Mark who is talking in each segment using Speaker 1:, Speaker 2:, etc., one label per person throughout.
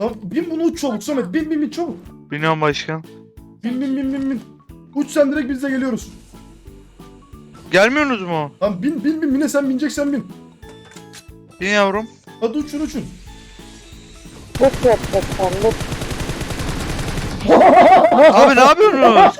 Speaker 1: Tamam, bin bunu uç çabuk Samet. Bin çabuk.
Speaker 2: Biniyorum başkan.
Speaker 1: Bin. Uç sen, direkt biz de geliyoruz.
Speaker 2: Gelmiyorsunuz mu?
Speaker 1: Tamam bin. Mine sen bineceksen bin.
Speaker 2: Bin yavrum.
Speaker 1: Hadi uçun.
Speaker 3: Loot yapacaklar loot.
Speaker 2: Abi ne yapıyorsunuz?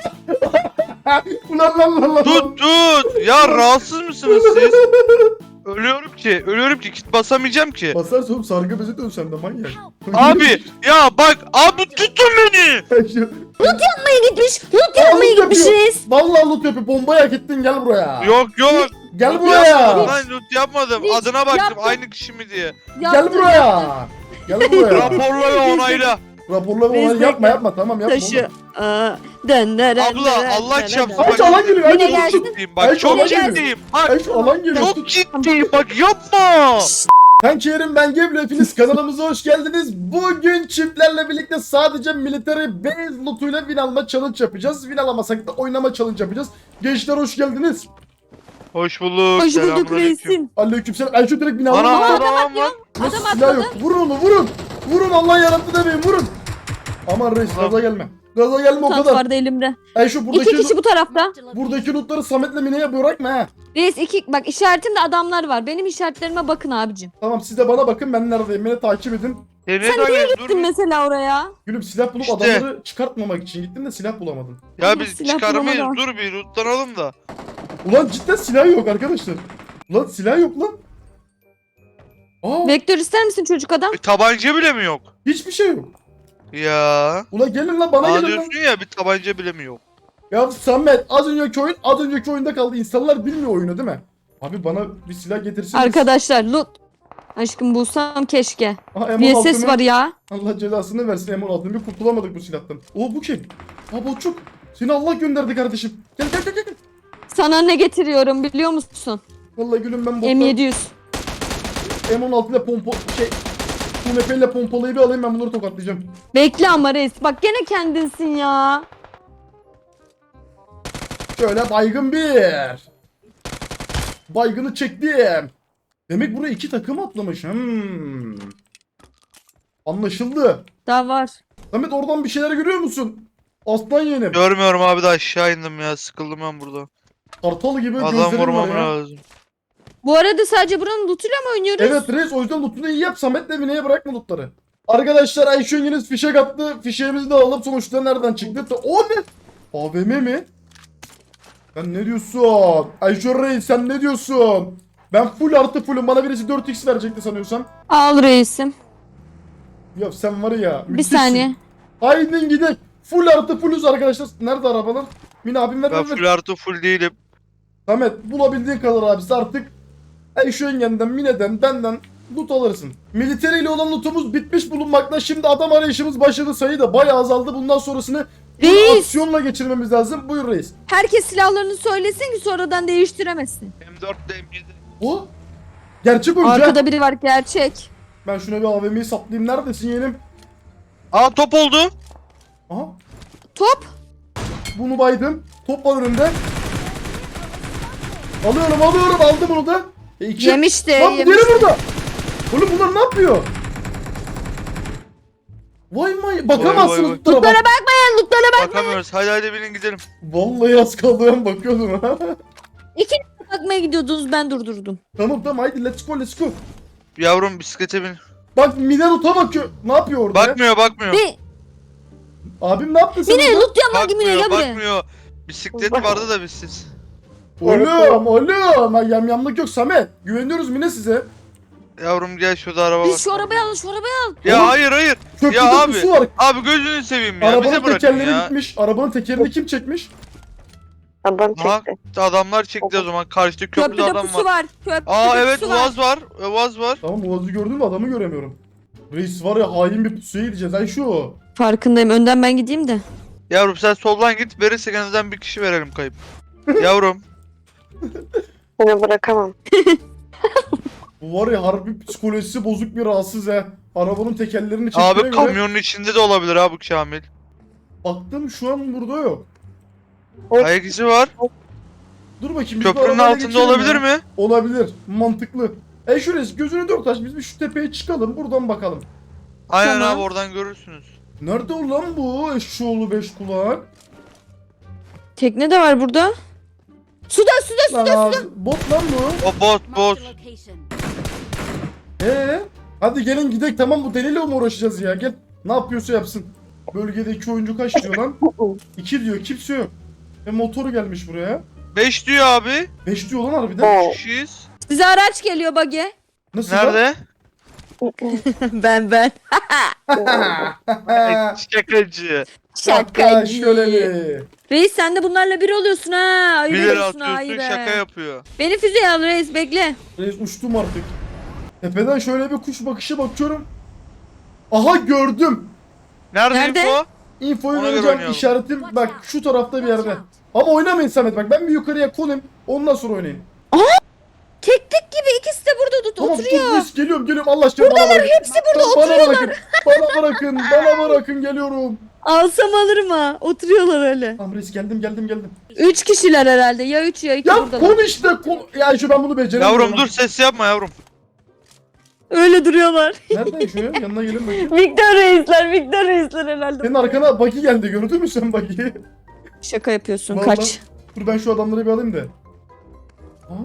Speaker 1: Ulan.
Speaker 2: Tut. Ya rahatsız mısınız siz? Ölüyorum ki. Kit basamayacağım ki.
Speaker 1: Basarsa oğlum sargı bezi dön sen de manyak.
Speaker 2: Abi ya bak abi tutun beni.
Speaker 3: Yapmaya gitmiş. Loot yapmaya gitmiş reis.
Speaker 1: Vallahi loot yapıyor. Bombayı hak ettin, gel buraya.
Speaker 2: Yok.
Speaker 1: Gel
Speaker 2: Loot
Speaker 1: buraya.
Speaker 2: yapmadım lan, loot yapmadım.
Speaker 3: Hiç
Speaker 2: Adına baktım
Speaker 3: yapmadım.
Speaker 2: aynı kişi mi diye.
Speaker 1: Gel buraya. Gel buraya.
Speaker 2: Raporla ve onayla.
Speaker 1: Raporla
Speaker 3: Biz
Speaker 1: onu yapma tamam yapma.
Speaker 3: Taşı.
Speaker 1: oğlum.
Speaker 2: Abla Allah çarpsın.
Speaker 1: Ay, alan geliyor, ay,
Speaker 2: Çok
Speaker 3: gelsin.
Speaker 2: ciddiyim
Speaker 1: Ay,
Speaker 2: bak. Çok
Speaker 1: alan geliyor.
Speaker 2: ciddiyim. Bak.
Speaker 1: Ay şu alan geliyor.
Speaker 2: Çok ciddiyim bak yapma.
Speaker 1: Ben Kerim, ben Gebru, hepiniz kanalımıza hoş geldiniz. Bugün çiftlerle birlikte sadece military base lootuyla win alma challenge yapacağız. Win alamasak da oynama challenge yapacağız. Gençler hoş geldiniz.
Speaker 2: Hoş bulduk.
Speaker 3: Hoş bulduk
Speaker 2: Selamünaleyküm.
Speaker 3: reisim.
Speaker 1: Aleykümselam. Ben şu direkt win aldım.
Speaker 2: Ana
Speaker 3: Adam
Speaker 2: adam
Speaker 3: atıyor.
Speaker 2: var.
Speaker 1: Nasıl
Speaker 3: Adam
Speaker 1: silah
Speaker 3: atladı.
Speaker 1: yok? Vurun onu vurun. Vurun, Allah yarattı demeyin, vurun. Aman reis,
Speaker 2: Tamam.
Speaker 1: gaza gelme. Gaza gelme o
Speaker 3: Tant
Speaker 1: kadar.
Speaker 3: vardı elimde.
Speaker 1: Şu buradaki
Speaker 3: İki kişi bu tarafta.
Speaker 1: buradaki lootları Samet'le Mine'ye bırakma ha.
Speaker 3: Reis iki bak işaretimde adamlar var. Benim işaretlerime bakın abicim.
Speaker 1: Tamam, siz de bana bakın, ben neredeyim, beni takip edin.
Speaker 2: Nereye
Speaker 3: Sen niye
Speaker 2: dur.
Speaker 3: gittin mesela oraya?
Speaker 1: Gülüm, silah bulup
Speaker 2: İşte.
Speaker 1: adamları çıkartmamak için gittim de silah bulamadım.
Speaker 2: Ya
Speaker 3: Ama
Speaker 2: biz
Speaker 3: silah
Speaker 2: çıkarmayız.
Speaker 3: bulamadan.
Speaker 2: Dur bir lootlanalım da.
Speaker 1: Ulan cidden silah yok arkadaşlar. Ulan silah yok lan. Aa,
Speaker 3: Vektör ister misin çocuk adam?
Speaker 2: Tabanca bile mi yok?
Speaker 1: hiçbir şey yok.
Speaker 2: Ya.
Speaker 1: Ulan gelin lan, bana
Speaker 2: Bana
Speaker 1: gelin lan.
Speaker 2: diyorsun ya bir tabanca bile mi yok?
Speaker 1: Ya Samet, az önceki oyunda kaldı. İnsanlar bilmiyor oyunu değil mi? Abi bana bir silah getirseniz.
Speaker 3: Arkadaşlar loot. Aşkım bulsam keşke.
Speaker 1: Aha,
Speaker 3: Bir
Speaker 1: M16
Speaker 3: ses
Speaker 1: mı?
Speaker 3: var ya.
Speaker 1: Allah cezasını versin M16'ın, bir kurtulamadık bu silahtan. Oo, bu kim? Aa, Botçuk. Seni Allah gönderdi kardeşim. Gel.
Speaker 3: Sana ne getiriyorum biliyor musun?
Speaker 1: Vallahi gülüm, ben bottan
Speaker 3: M700.
Speaker 1: M16 ile UMP ile pompalıyı bir alayım, ben bunları tokatlayacağım.
Speaker 3: Bekle ama reis. Bak gene kendinsin ya.
Speaker 1: Şöyle baygın bir. Baygını çektim. Demek buraya iki takım atlamış. Anlaşıldı.
Speaker 3: Daha var.
Speaker 1: Samet, oradan bir şeyler görüyor musun? Aslan yeğenim.
Speaker 2: Görmüyorum abi de aşağı indim ya. Sıkıldım ben burada.
Speaker 1: Kartal gibi
Speaker 2: Adam
Speaker 1: gözlerim var
Speaker 2: vurmam
Speaker 1: ya.
Speaker 2: lazım.
Speaker 3: Bu arada sadece buranın lootuyla mı oynuyoruz?
Speaker 1: Evet reis, o yüzden lootunu iyi yap. Samet'le Mine'ye bırakma lootları. Arkadaşlar, Ayşe Yeniz fişek attı. Fişeğimizi de alalım. Sonuçta nereden çıktı? O ne? AVM mi? Sen ne diyorsun? Ayşe Reis, sen ne diyorsun? Ben full artı fullüm. Bana birisi 4x verecekti sanıyorsam.
Speaker 3: Al reisim.
Speaker 1: Ya sen var ya.
Speaker 3: Bir
Speaker 1: müthişsin.
Speaker 3: saniye.
Speaker 1: Haydi gidelim. Full artı fullüz arkadaşlar. Nerede arabalar? Mine abim ver
Speaker 2: Ben
Speaker 1: ver ver.
Speaker 2: full artı full değilim.
Speaker 1: Samet, bulabildiğin kadar abisi artık. Ayşe yengenden, Mine'den, benden loot alırsın. Military ile olan lootumuz bitmiş bulunmakta. Şimdi adam arayışımız başladı. Sayı da bayağı azaldı. Bundan sonrasını
Speaker 3: Reis.
Speaker 1: aksiyonla geçirmemiz lazım. Buyur reis.
Speaker 3: Herkes silahlarını söylesin ki sonradan değiştiremesin.
Speaker 2: M4 de M7.
Speaker 1: O gerçek oyuncu. ha.
Speaker 3: Arkada biri var gerçek.
Speaker 1: Ben şuna bir AVM'yi saplayayım. Neredesin yeğenim?
Speaker 2: Aa top oldu.
Speaker 1: Aha.
Speaker 3: Top.
Speaker 1: Bunu baydım. Top var önümde. Alıyorum. Aldım bunu da. İki.
Speaker 3: Yemişti.
Speaker 1: Lan bu
Speaker 3: yemişti.
Speaker 1: diğeri burada. Oğlum bunlar ne yapıyor? Vay may. Bakamazsınız
Speaker 2: vay.
Speaker 1: lootlara bak.
Speaker 3: Lootlara bakmayın. Lootlara bak.
Speaker 2: Bakamıyoruz. Hadi binin gidelim.
Speaker 1: Vallahi az kaldı, ben bakıyordum.
Speaker 3: Bakmaya gidiyordunuz ben durdurdum.
Speaker 1: Tamam haydi let's go.
Speaker 2: Yavrum bisiklete bin.
Speaker 1: Bak Mine loot'a bakıyor. Ne yapıyor orada? ya?
Speaker 2: Bakmıyor.
Speaker 3: Ne?
Speaker 1: Abim ne yaptı sen?
Speaker 3: Mine
Speaker 1: orada?
Speaker 3: loot yapma gibi
Speaker 2: Bakmıyor.
Speaker 3: gel buraya.
Speaker 2: Bakmıyor. Bisiklet vardı da bizsiz.
Speaker 1: Oğlum. Ha, yamyamlık yok Samet. Güveniyoruz Mine size.
Speaker 2: Yavrum gel şurada araba var.
Speaker 3: Biz şu arabayı alın şu arabayı al.
Speaker 2: Ya
Speaker 1: Oğlum,
Speaker 2: hayır.
Speaker 1: Köprü
Speaker 2: Ya
Speaker 1: köprüsü var.
Speaker 2: Abi gözünü seveyim ya.
Speaker 1: Arabanın
Speaker 2: Bize bırakın
Speaker 1: tekerleri
Speaker 2: ya.
Speaker 1: gitmiş. Arabanın tekerini kim çekmiş?
Speaker 3: Adam
Speaker 2: Aha, adamlar çekti o zaman. Karşıda köprüde
Speaker 3: Köprüde
Speaker 2: adam
Speaker 3: pusu
Speaker 2: var.
Speaker 3: var. Köprüde
Speaker 2: Aa evet
Speaker 3: pusu var.
Speaker 2: Uaz var.
Speaker 1: Tamam, Uaz'ı gördün mü, adamı göremiyorum. Reis var ya, hain bir pusuya gideceğiz. Ay şu.
Speaker 3: Farkındayım. Önden ben gideyim de.
Speaker 2: Yavrum sen soldan git. Verirsek en azından bir kişi verelim kayıp. Yavrum.
Speaker 3: Seni bırakamam.
Speaker 1: Bu var ya, harbi psikolojisi bozuk bir rahatsız he. Arabanın tekerlerini çektiğine
Speaker 2: Abi
Speaker 1: göre
Speaker 2: kamyonun içinde de olabilir abi Kamil.
Speaker 1: baktım, şu an burada yok.
Speaker 2: Ayak izi var.
Speaker 1: Dur bakayım. biz bu
Speaker 2: Köprünün
Speaker 1: arabayla
Speaker 2: altında
Speaker 1: geçelim
Speaker 2: olabilir
Speaker 1: ya.
Speaker 2: mi?
Speaker 1: Olabilir. Mantıklı. Şu reis, gözünü dört aç, biz bir şu tepeye çıkalım, buradan bakalım.
Speaker 2: Aynen
Speaker 3: Tamam.
Speaker 2: abi oradan görürsünüz.
Speaker 1: Nerede o lan bu eşşoğlu beş kulak?
Speaker 3: Tekne de var burada. Suda.
Speaker 1: Lan abi, bot lan bu.
Speaker 2: O bot.
Speaker 4: Marked a location.
Speaker 1: Hadi gelin gidelim, tamam bu deliyle mi uğraşacağız ya, gel. Ne yapıyorsa yapsın. Bölgede 2 oyuncu kaç diyor lan? 2 diyor, kimse yok. Motoru gelmiş buraya.
Speaker 2: 5 diyor abi.
Speaker 1: 5 diyor lan harbiden.
Speaker 2: 3 kişiyiz.
Speaker 3: Size araç geliyor buggy.
Speaker 1: Nasıl lan?
Speaker 2: Nerede?
Speaker 3: ben.
Speaker 2: Şakacı.
Speaker 1: Şaka şöyle bir.
Speaker 3: Reis sen de bunlarla bir oluyorsun ha. Ayıp
Speaker 2: 1 lira
Speaker 3: ediyorsun ha,
Speaker 2: atıyorsun
Speaker 3: ayıp.
Speaker 2: şaka yapıyor.
Speaker 3: Beni füzeye al reis bekle.
Speaker 1: Reis uçtum artık. Tepeden şöyle bir kuş bakışı bakıyorum. Aha gördüm.
Speaker 2: Nerede
Speaker 3: Nerede?
Speaker 2: info?
Speaker 1: Infoyu
Speaker 2: Ona göre
Speaker 1: vereceğim,
Speaker 2: oynayalım.
Speaker 1: işaretim
Speaker 4: Watch
Speaker 1: bak
Speaker 4: out.
Speaker 1: şu tarafta bir
Speaker 4: Watch
Speaker 1: yerde.
Speaker 4: out.
Speaker 1: Ama oynamayın Samet, bak ben bir yukarıya konayım, ondan sonra oynayın.
Speaker 3: Tek gibi ikisi de burada
Speaker 1: Tamam
Speaker 3: oturuyor.
Speaker 1: dur Reis, geliyorum Allah aşkına bana bırakın.
Speaker 3: Hepsi burada
Speaker 1: Bana
Speaker 3: oturuyorlar.
Speaker 1: bırakın, bana bırakın geliyorum.
Speaker 3: Alsam alırım ha. Oturuyorlar öyle.
Speaker 1: Tamam Reis, geldim.
Speaker 3: 3 kişiler herhalde. Ya 3 ya 2
Speaker 1: Ya
Speaker 3: buradalar.
Speaker 1: kon işte kon. Ya şu ben bunu beceremiyorum.
Speaker 2: Yavrum dur ses yapma yavrum.
Speaker 3: Öyle duruyorlar.
Speaker 1: Nereden şu ya? Yanına gelin bakayım.
Speaker 3: Victor reisler herhalde.
Speaker 1: Senin arkana Baki geldi, gördün mü sen Baki'yi?
Speaker 3: Şaka yapıyorsun.
Speaker 1: Vallahi.
Speaker 3: Kaç.
Speaker 1: Dur ben şu adamları bir alayım da. Aha.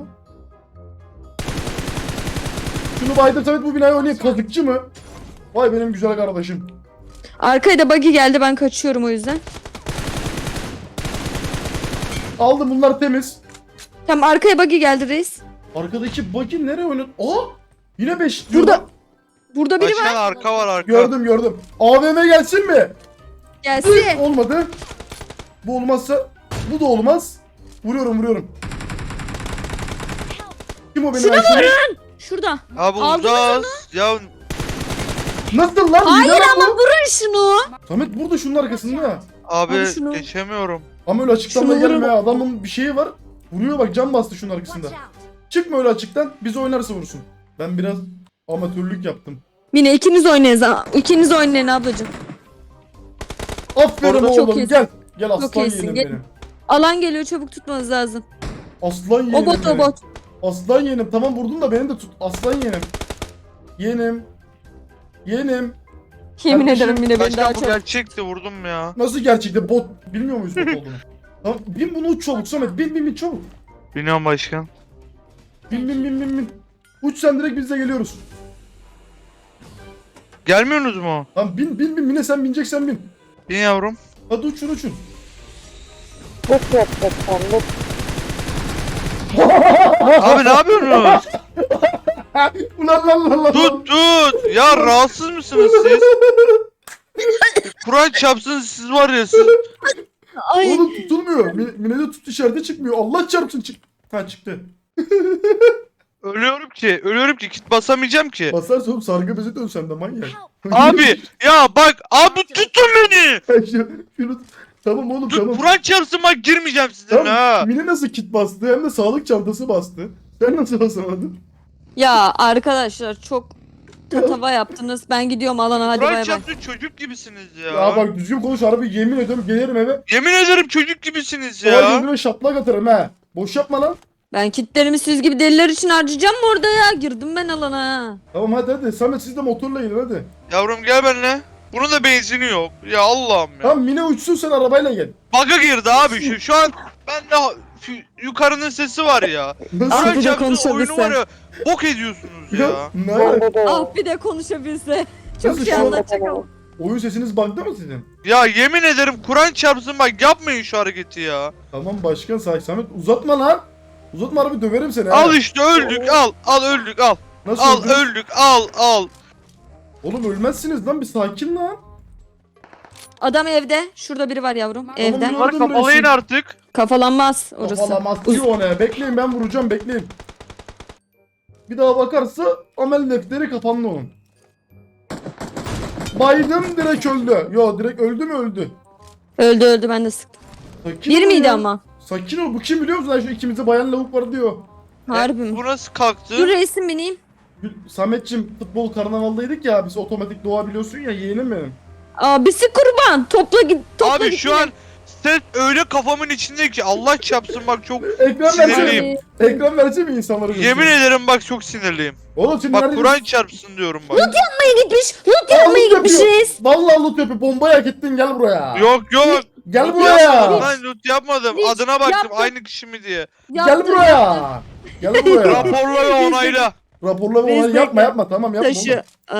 Speaker 1: Şunu baydır Samet, bu binayı oynayayım. Kazıkçı mı? Vay benim güzel kardeşim.
Speaker 3: Arkaya da buggy geldi. Ben kaçıyorum o yüzden.
Speaker 1: Aldım, bunlar temiz.
Speaker 3: Tamam arkaya buggy geldi reis.
Speaker 1: Arkadaki Baki nereye oynadı? Aa! Yine 5
Speaker 3: Burada. Burada biri
Speaker 2: Başkan
Speaker 3: var.
Speaker 2: arka var arka.
Speaker 1: Gördüm. AVM gelsin mi?
Speaker 3: Gelsin.
Speaker 1: Olmadı. Bu olmazsa bu da olmaz. Vuruyorum. Kim o benim
Speaker 3: Şuna
Speaker 1: Ayşe'nin?
Speaker 3: Şurada.
Speaker 2: Abi
Speaker 3: Aldınız
Speaker 2: uzağız. Ya
Speaker 1: Nasıl lan?
Speaker 3: Hayır
Speaker 1: Hile lan
Speaker 3: ama
Speaker 1: bu.
Speaker 3: vurun şunu.
Speaker 1: Samet burada, şunun arkasında.
Speaker 2: abi
Speaker 3: Abi şunu-
Speaker 2: geçemiyorum.
Speaker 1: Ama öyle açıktan da
Speaker 3: Şunu vurun.
Speaker 1: gelme ya. Adamın bir şeyi var. Vuruyor bak, cam bastı şunun
Speaker 4: Watch
Speaker 1: arkasında.
Speaker 4: out.
Speaker 1: Çıkma öyle açıktan. Biz oynarsa vursun. Ben biraz amatörlük yaptım.
Speaker 3: Mine ikiniz oynayın. İkiniz oynayın ablacığım.
Speaker 1: Aferin
Speaker 3: Orada çok
Speaker 1: oğlum,
Speaker 3: iyisin.
Speaker 1: gel. Gel aslan
Speaker 3: Çok iyisin,
Speaker 1: yeğenim
Speaker 3: gel.
Speaker 1: benim.
Speaker 3: Alan geliyor çabuk tutmanız lazım.
Speaker 1: Aslan yeğenim
Speaker 3: O bot
Speaker 1: benim.
Speaker 3: o bot.
Speaker 1: Aslan yeğenim, tamam vurdun da beni de tut. Aslan yeğenim. Yeğenim.
Speaker 3: Yemin
Speaker 1: Kardeşim,
Speaker 3: ederim Mine beni
Speaker 2: Başkan
Speaker 3: daha
Speaker 2: bu
Speaker 3: çok.
Speaker 2: gerçekti vurdum ya.
Speaker 1: Nasıl gerçekte bot? Bilmiyor muyuz bot olduğunu? Tamam bin bunu uç çabuk Samet. Bin çabuk.
Speaker 2: Bilmiyorum başkan.
Speaker 1: Bin. Uç sen, direkt biz de geliyoruz.
Speaker 2: Gelmiyorsunuz mu?
Speaker 1: Tamam bin Mine, sen bineceksen bin.
Speaker 2: Bin yavrum.
Speaker 1: Hadi uçun.
Speaker 2: Abi ne yapıyorsunuz?
Speaker 1: Ulan.
Speaker 2: Tut. Ya rahatsız mısınız siz? Kur'an çarpsın siz var ya siz.
Speaker 3: Ay.
Speaker 1: Oğlum tutulmuyor. Mine'de tut işareti çıkmıyor. Allah çarpsın Ha çıktı.
Speaker 2: Ölüyorum ki kit basamayacağım ki.
Speaker 1: Basarsa oğlum sargı bezi dön sen de manyak.
Speaker 4: Help.
Speaker 2: Abi ya bak abi tutun beni.
Speaker 1: Şunu... Tamam oğlum tamam.
Speaker 2: Kur'an çarpsın bak girmeyeceğim sizinle
Speaker 1: Tamam.
Speaker 2: ha.
Speaker 1: Mine nasıl kit bastı, hem de sağlık çantası bastı. Sen nasıl basamadın?
Speaker 3: Ya arkadaşlar çok tatava yaptınız. Ben gidiyorum alana hadi
Speaker 2: Kur'an
Speaker 3: bay bay.
Speaker 2: çarpsın çocuk gibisiniz ya.
Speaker 1: Ya bak düzgün konuş harbi, yemin ediyorum gelirim eve.
Speaker 2: Yemin ederim çocuk gibisiniz
Speaker 1: Ya.
Speaker 2: ya.
Speaker 1: Gözüme şaplak atarım ha. Boş yapma lan.
Speaker 3: Ben kitlerimi siz gibi deliler için harcayacağım mı orada ya? Girdim ben alana ha.
Speaker 1: Tamam hadi. Samet siz de motorla gelin hadi.
Speaker 2: Yavrum gel benimle. Bunun da benzini yok. Ya Allah'ım ya.
Speaker 1: Tamam Mine uçsun, sen arabayla gel.
Speaker 2: Bug'a girdi abi şu an ben de yukarının sesi var ya.
Speaker 1: Nasıl?
Speaker 3: Abi
Speaker 2: Kur'an
Speaker 3: de
Speaker 2: çarpsın
Speaker 3: konuşabilse.
Speaker 2: oyunu var ya. Bok ediyorsunuz
Speaker 1: Ya,
Speaker 2: ya.
Speaker 1: ne alaka?
Speaker 3: Ah bir de konuşabilse. Çok
Speaker 1: Nasıl
Speaker 3: şey
Speaker 1: şu an-
Speaker 3: anlatacak ama.
Speaker 1: Oyun sesiniz bug'da mı sizin?
Speaker 2: Ya yemin ederim Kur'an çarpsın bak yapmayın şu hareketi ya.
Speaker 1: Tamam başkan sakin. Samet uzatma lan. Uzatma harbi, döverim seni ha.
Speaker 2: Al işte öldük al öldük al.
Speaker 1: Nasıl
Speaker 2: Al
Speaker 1: öldün?
Speaker 2: öldük al.
Speaker 1: Oğlum ölmezsiniz lan, bir sakin lan.
Speaker 3: Adam evde. Şurada biri var yavrum.
Speaker 4: Tamam,
Speaker 3: Evde.
Speaker 1: gördüm
Speaker 2: Bunları kapalayın
Speaker 1: resim.
Speaker 2: artık.
Speaker 3: Kafalanmaz orası.
Speaker 1: Kafalamaz diyor ona. Bekleyin, ben vuracağım, bekleyin. Bir daha bakarsa amel defteri kapandı onun. Baydım, direkt öldü. Yo direkt öldü mü öldü.
Speaker 3: Öldü ben de sıktım.
Speaker 1: Sakin
Speaker 3: Bir
Speaker 1: ol
Speaker 3: miydi
Speaker 1: ya.
Speaker 3: ama?
Speaker 1: Sakin ol, bu kim biliyor musun? Lan şu ikimizde bayan lavuk var diyor.
Speaker 3: Harbi mi?
Speaker 2: Bu nasıl kalktı?
Speaker 3: Dur reisim bineyim.
Speaker 1: Sametçim futbol karnavaldaydık ya, biz otomatik doğabiliyorsun ya yeğenim benim.
Speaker 3: Abisi kurban. Topla git. Topla
Speaker 2: Abi
Speaker 3: git
Speaker 2: şu
Speaker 3: yine.
Speaker 2: an Ses öyle kafamın içinde ki Allah çarpsın bak çok
Speaker 1: Ekran
Speaker 2: Sinirliyim.
Speaker 1: versene. Ekran versene insanlara.
Speaker 2: yemin ederim bak çok sinirliyim.
Speaker 1: Oğlum şimdi
Speaker 2: Bak
Speaker 1: nerede?
Speaker 2: Kur'an çarpsın diyorum bak.
Speaker 3: Yapmaya gitmiş. Loot
Speaker 1: Aa,
Speaker 3: yapmaya
Speaker 1: loot
Speaker 3: gitmiş
Speaker 1: yapıyor.
Speaker 3: reis.
Speaker 1: Vallahi loot yapıyor. Bombayı hak ettin, gel buraya.
Speaker 2: Yok yok.
Speaker 1: Gel
Speaker 2: Loot
Speaker 1: buraya.
Speaker 2: yapmadım lan, loot yapmadım.
Speaker 3: Hiç
Speaker 2: Adına baktım
Speaker 3: yaptım.
Speaker 2: aynı kişi mi diye.
Speaker 1: Gel
Speaker 3: Yaptın,
Speaker 1: buraya.
Speaker 3: yaptın.
Speaker 1: Gel buraya.
Speaker 2: Raporla ve onayla.
Speaker 1: Raporla ve
Speaker 3: Reis
Speaker 1: onay yapma
Speaker 3: bekle.
Speaker 1: yapma, tamam yapma.
Speaker 3: Taşı.
Speaker 1: oğlum.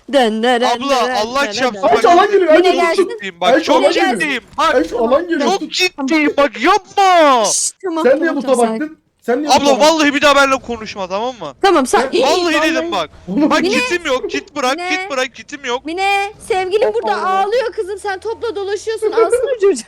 Speaker 2: Abla Allah çarpsın
Speaker 1: Ay,
Speaker 2: bak
Speaker 1: şu alan
Speaker 2: çok
Speaker 1: geliyor,
Speaker 3: Yine
Speaker 2: çok
Speaker 3: gelsin.
Speaker 2: ciddiyim
Speaker 1: Ay,
Speaker 2: bak
Speaker 1: şu alan
Speaker 2: çok
Speaker 1: geliyor.
Speaker 2: ciddiyim. Bak
Speaker 1: Ay şu alan geliyor.
Speaker 2: çok ciddiyim bak yapma.
Speaker 3: Tamam,
Speaker 1: Sen niye
Speaker 3: tamam,
Speaker 1: loot'a
Speaker 3: tamam,
Speaker 1: baktın? Sen niye
Speaker 2: Abla
Speaker 1: loot'a baktın?
Speaker 2: vallahi bir daha benimle konuşma tamam mı?
Speaker 3: Tamam sen.
Speaker 2: Vallahi dedim bak.
Speaker 1: Oğlum,
Speaker 2: Bak
Speaker 3: Mine.
Speaker 2: kitim yok. Kit bırak,
Speaker 3: Mine.
Speaker 2: kit bırak, kitim yok.
Speaker 3: Mine sevgilim burada ağlıyor kızım, sen topla dolaşıyorsun, alsana çocuğu.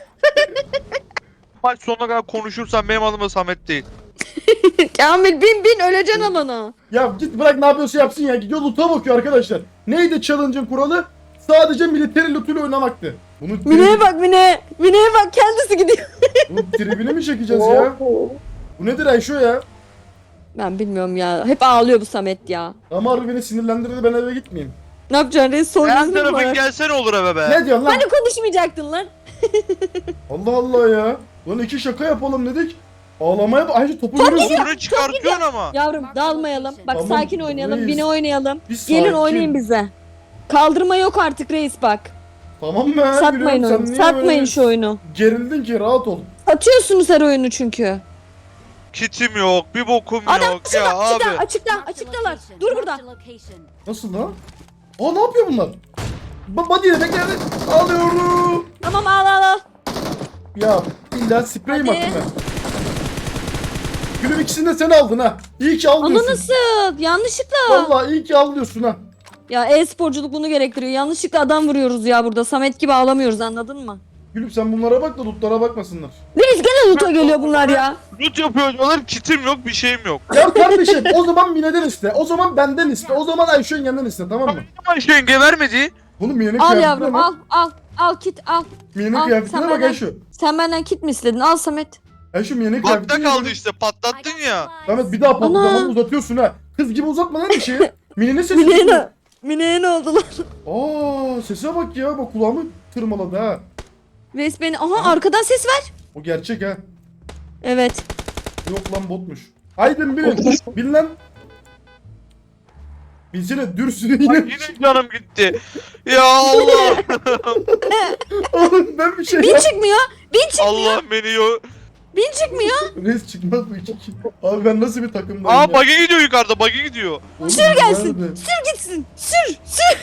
Speaker 2: Maç sonuna kadar konuşursan benim adım da Samet değil.
Speaker 3: Kamil bin öleceksin alana.
Speaker 1: Ya git bırak, ne yapıyorsa yapsın ya. Gidiyor loot'a bakıyor arkadaşlar. Neydi challenge'ın kuralı? Sadece military loot'uyla oynamaktı.
Speaker 3: Mine'ye bak Mine. Mine'ye bak, kendisi gidiyor.
Speaker 1: Bunun tribini mi çekeceğiz ya? Bu nedir Ayşo ya?
Speaker 3: Ben bilmiyorum ya. Hep ağlıyor bu Samet ya.
Speaker 1: Ama harbi beni sinirlendirdi, ben eve gitmeyeyim.
Speaker 3: Ne yapacaksın reis? Son
Speaker 2: Her
Speaker 3: yüzünü mü
Speaker 2: tarafın
Speaker 3: var?
Speaker 2: gelsene olur eve be.
Speaker 1: Ne diyorsun lan?
Speaker 3: Hani konuşmayacaktın lan?
Speaker 1: Allah Allah ya. Lan iki şaka yapalım dedik. Ağlamaya bak. Ayşe topu görüyorsun.
Speaker 2: Topunu çıkartıyorsun ama.
Speaker 3: Yavrum dağılmayalım. Bak
Speaker 1: Tamam,
Speaker 3: sakin oynayalım.
Speaker 1: reis.
Speaker 3: Mine oynayalım.
Speaker 1: Biz
Speaker 3: Gelin
Speaker 1: sakin.
Speaker 3: oynayın bize. Kaldırma yok artık reis bak.
Speaker 1: Tamam mı?
Speaker 3: Satmayın
Speaker 1: Biliyorum, sen
Speaker 3: oyunu.
Speaker 1: niye
Speaker 3: Satmayın
Speaker 1: böyle
Speaker 3: şu oyunu.
Speaker 1: Gerildin ki, rahat ol.
Speaker 3: Satıyorsunuz her oyunu çünkü.
Speaker 2: Kitim yok, bir bokum
Speaker 3: Adam
Speaker 2: yok ya abi.
Speaker 3: açıktalar. Dur burada.
Speaker 1: Nasıl lan? Aa, ne yapıyor bunlar? Body'ye bekle. Alıyorum.
Speaker 3: Tamam al.
Speaker 1: Ya illa sprey mi
Speaker 3: Hadi.
Speaker 1: attın ben? Gülüm, ikisini de sen aldın ha. İyi ki al
Speaker 3: Ama
Speaker 1: diyorsun.
Speaker 3: nasıl? Yanlışlıkla.
Speaker 1: Vallahi iyi ki al diyorsun ha.
Speaker 3: Ya e-sporculuk bunu gerektiriyor. Yanlışlıkla adam vuruyoruz ya burada. Samet gibi ağlamıyoruz, anladın mı?
Speaker 1: Gülüm sen bunlara bak da lootlara bakmasınlar.
Speaker 3: Reis gene loot'a geliyor bunlar ya.
Speaker 2: Loot yapıyor diyorlar, kitim yok, bir şeyim yok.
Speaker 1: Ya kardeşim o zaman Mine'den iste. O zaman benden iste. O zaman Ayşe'nin yanından iste, tamam mı?
Speaker 2: Ama şu yenge vermedi.
Speaker 1: Bunu Mine'nin
Speaker 3: Al
Speaker 1: kıyafetine
Speaker 3: yavrum
Speaker 1: bak.
Speaker 3: al kit al.
Speaker 1: Mine'nin
Speaker 3: al,
Speaker 1: kıyafetine
Speaker 3: sen
Speaker 1: bak
Speaker 3: benden-
Speaker 1: Ayşe.
Speaker 3: Sen benden kit mi istedin? Al Samet.
Speaker 1: Ayşe Mine'nin
Speaker 2: Bakta
Speaker 1: kıyafetine
Speaker 2: kaldı
Speaker 1: bak.
Speaker 2: işte, patlattın ya.
Speaker 1: Samet bir daha
Speaker 3: Ana.
Speaker 1: patlamanı uzatıyorsun ha. Kız gibi uzatma lan bir şeyi. Mine'nin sesi.
Speaker 3: Mine'ye ne oldu lan?
Speaker 1: Aa, sese bak ya. Bak kulağımı tırmaladı ha.
Speaker 3: Reis beni... Aha arkadan ses ver.
Speaker 1: O gerçek ha.
Speaker 3: Evet.
Speaker 1: Yok lan, botmuş. Haydi bilin. Bil lan. Bilsene dürsün
Speaker 2: Bak
Speaker 1: yine.
Speaker 2: yine canım gitti. Ya Allah.
Speaker 1: Oğlum ben bir şey
Speaker 3: Bin çıkmıyor.
Speaker 2: Allah beni yok.
Speaker 3: Bin çıkmıyor.
Speaker 1: Res çıkmaz bu iki. Abi ben nasıl bir takımdayım
Speaker 2: Aa
Speaker 1: ya?
Speaker 2: buggy gidiyor yukarıda, buggy gidiyor.
Speaker 1: Oğlum,
Speaker 3: Sür gelsin.
Speaker 1: nerede?
Speaker 3: Sür gitsin. Sür.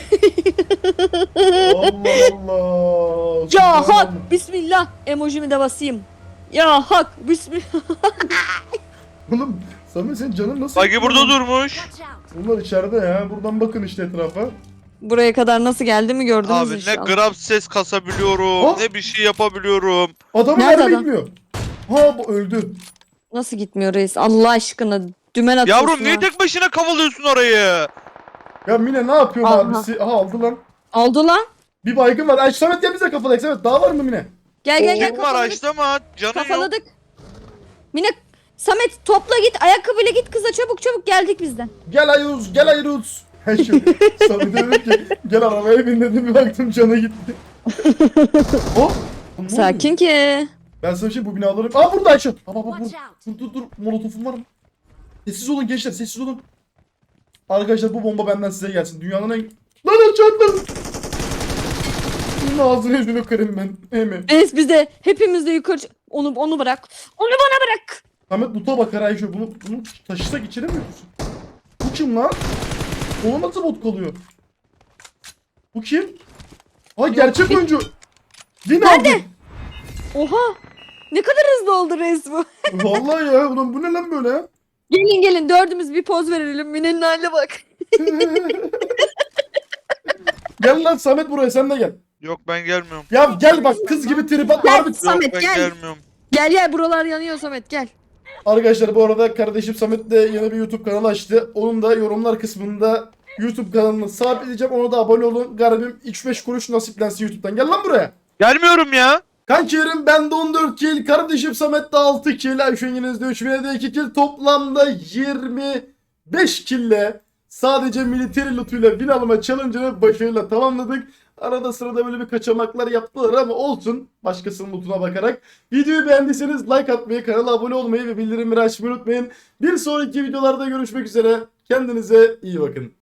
Speaker 1: Allah Allah.
Speaker 3: Ya
Speaker 1: Subhanallah.
Speaker 3: hak. Bismillah. Emojimi de basayım. Ya hak. Bismillah.
Speaker 1: Oğlum Samet senin canın nasıl?
Speaker 2: Buggy burada durmuş.
Speaker 1: Bunlar içeride ya. Buradan bakın işte etrafa.
Speaker 3: Buraya kadar nasıl geldi mi gördünüz
Speaker 2: Abi ne
Speaker 3: inşallah.
Speaker 2: gram ses kasabiliyorum,
Speaker 1: Oh.
Speaker 2: ne bir şey yapabiliyorum.
Speaker 1: Adamın
Speaker 3: Nerede
Speaker 1: mermi
Speaker 3: adam?
Speaker 1: gitmiyor. Ha, bu öldü.
Speaker 3: Nasıl gitmiyor reis? Allah aşkına. Dümen atıyorsun
Speaker 2: Yavrum niye
Speaker 3: ha.
Speaker 2: tek başına kavalıyorsun orayı?
Speaker 1: Ya Mine ne yapıyor
Speaker 3: Aha.
Speaker 1: abisi? Aha, aldı lan.
Speaker 3: Oldu lan.
Speaker 1: Bir baygın var. Ay Samet gel bize kafalayık. Samet daha var mı Mine?
Speaker 3: Gel
Speaker 2: Kim var
Speaker 3: kafaladık.
Speaker 2: açlama, canın yok.
Speaker 3: Kafaladık. Mine Samet topla git, ayakkabıyla git kıza, çabuk geldik bizden.
Speaker 1: Gel Ayuz, gel Ayuz. Hey şu. Samet'e dedim ki gel arabaya bin dedim, bir baktım canı gitti. Oh. Ne oluyor?
Speaker 3: Sakin ki.
Speaker 1: Ben sana bir şey, bu binaları... Aa burada Ayşe. Aa bak dur. Molotofum var mı? Sessiz olun gençler, sessiz olun. Arkadaşlar bu bomba benden size gelsin. Dünyanın en... Lan açarlar. Bunun ağzını yüzünü kırayım ben. Hemen.
Speaker 3: Reis bize hepimiz de yukarı onu bırak. Onu bana bırak.
Speaker 1: Samet loot'a bakar Ayşe. Bunu taşısak içeri mi götürsün? Bu kim lan? Ona nasıl bot kalıyor? Bu kim? Ay gerçek oyuncu. Yine aldı.
Speaker 3: Oha. Ne kadar hızlı oldu reis bu.
Speaker 1: Vallahi ya. Ulan bu ne lan böyle?
Speaker 3: Gelin dördümüz bir poz verelim. Mine'nin haline bak.
Speaker 1: Gel lan Samet buraya, sen de gel.
Speaker 2: Yok ben gelmiyorum.
Speaker 1: Ya gel bak, kız gibi trip atma.
Speaker 3: Gel
Speaker 1: Harbi-
Speaker 3: Samet
Speaker 2: Ben
Speaker 3: gel.
Speaker 2: gelmiyorum.
Speaker 3: Gel buralar yanıyor Samet gel.
Speaker 1: Arkadaşlar bu arada kardeşim Samet de yeni bir YouTube kanalı açtı. Onun da yorumlar kısmında YouTube kanalını sabitleyeceğim. Ona da abone olun. Garibim 3-5 kuruş nasiplensin YouTube'dan. Gel lan buraya.
Speaker 2: Gelmiyorum ya.
Speaker 1: Kankilerim bende 14 kill. Kardeşim Samet'te 6 kill. Ayşe Yeniz'de 3 Mine'de 2 kill. Toplamda 25 kill'le sadece military lootuyla win alma challenge'ını başarıyla tamamladık. Arada sırada böyle bir kaçamaklar yaptılar ama olsun, başkasının lootuna bakarak. Videoyu beğendiyseniz like atmayı, kanala abone olmayı ve bildirimleri açmayı unutmayın. Bir sonraki videolarda görüşmek üzere. Kendinize iyi bakın.